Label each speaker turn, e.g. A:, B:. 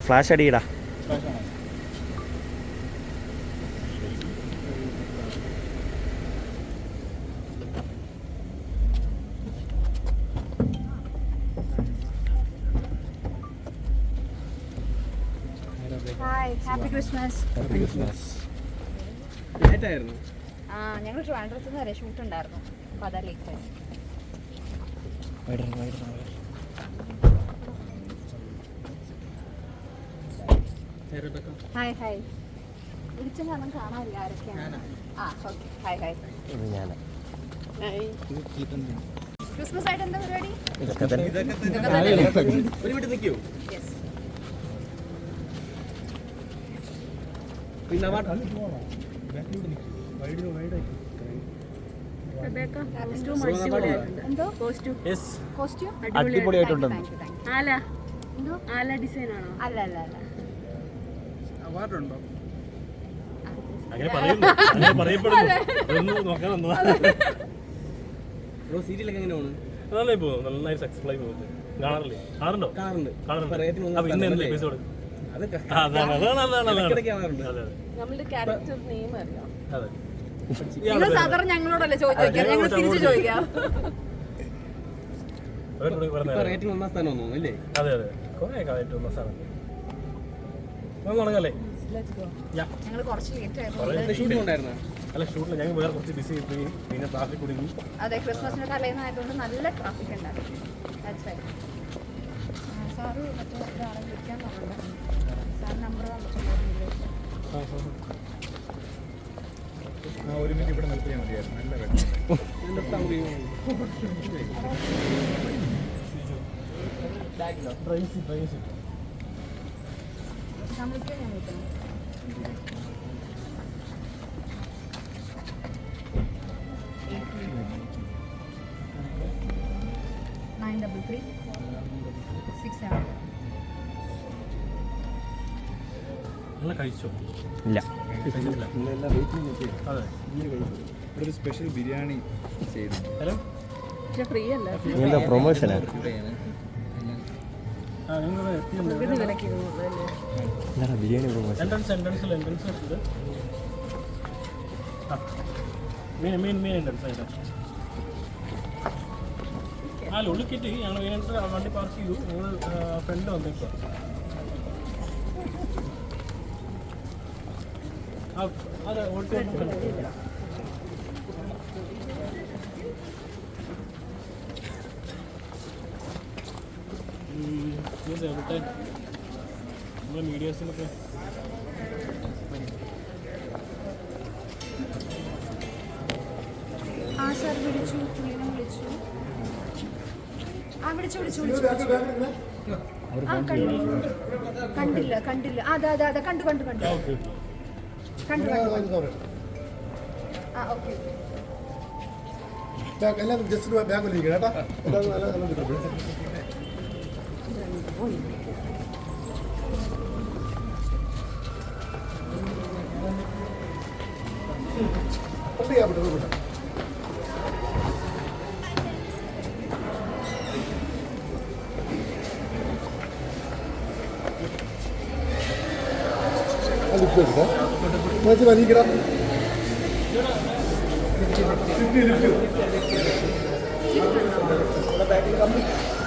A: Flash അടിയിടാ.
B: Happy Christmas.
A: Happy Christmas.
B: ഞങ്ങൾ ട്രിവാൻഡ്രത്ത് നിന്ന് വരെ ഷൂട്ട് ഉണ്ടായിരുന്നു, അപ്പോൾ അതാ ലേറ്റ് ആയി. Hi hi. വിളിച്ച കാരണം കാണാനില്ല ആരൊക്കെയാണ്. ആ ഓക്കെ. Hi hi. ക്രിസ്മസ് ആയിട്ട് എന്താ പരിപാടി?
A: അടിപൊളിയായിട്ടുണ്ട്.
C: നന്നായി പോകുന്നു, നന്നായി സക്സസ്ഫുൾ ആയി പോകുന്നു. കാണാറുണ്ടോ? കാണാറുണ്ട്. എപ്പിസോഡ്
B: ഞങ്ങളോടല്ലേ ചോദിക്കാം, ഞങ്ങൾ തിരിച്ചു ചോദിക്കാം.
C: അതെ അതെ, കുറെ കാലമായിട്ട് ഒന്നാം സ്ഥാനം. തുടങ്ങല്ലേ?
B: ഞങ്ങൾ കുറച്ച് ലേറ്റ്
C: അല്ല, ഷൂട്ടിൽ ഞങ്ങൾ വേറെ കുറച്ച് ബിസി ആയി, പിന്നെ ട്രാഫിക് കുടുങ്ങി.
B: അതെ, ക്രിസ്മസിന്റെ തലേന്നായതുകൊണ്ട് നല്ല ട്രാഫിക് ഉണ്ടായിരുന്നു. സാറ് മറ്റേ ഒരാളെ വിളിക്കാൻ പറഞ്ഞിട്ടുണ്ട്. സാർ നമ്പർ
D: ഒരു മിനിറ്റ് ഇവിടെ നിർത്തിയാൽ മതിയായിരുന്നു. നല്ല വെള്ളം.
B: ഞാൻ വിളിക്കണം. 933 67.
C: നല്ല കഴിച്ചോ?
A: ഇല്ല.
C: അതെ,
D: ഒരു സ്പെഷ്യൽ ബിരിയാണി ചെയ്തു.
C: ഹലോ,
B: ഫ്രീ അല്ല,
A: എന്താ പ്രൊമോഷനാ? Biryani promotion.
C: Entrance main entrance. ആ ഉള്ളിക്കിട്ട് ഞങ്ങൾ മെയിൻ എൻട്രൻസ് വണ്ടി പാർക്ക് ചെയ്തു. ഞങ്ങൾ ഫ്രണ്ട് വന്നേക്കുക. അതെ, ഓടിച്ചു. എവിടെ നമ്മുടെ മീഡിയാസിലൊക്കെ
B: സാർ വിളിച്ചു, പുള്ളിനെ വിളിച്ചു. വിളിച്ചു. കണ്ടില്ല. അതെ കണ്ടു. ഓക്കെ.
D: എല്ലാം ജസ്റ്റ് ബാഗിലിരിക്കണം കേട്ടോ. വലിക്കണം. ബാക്കിൽ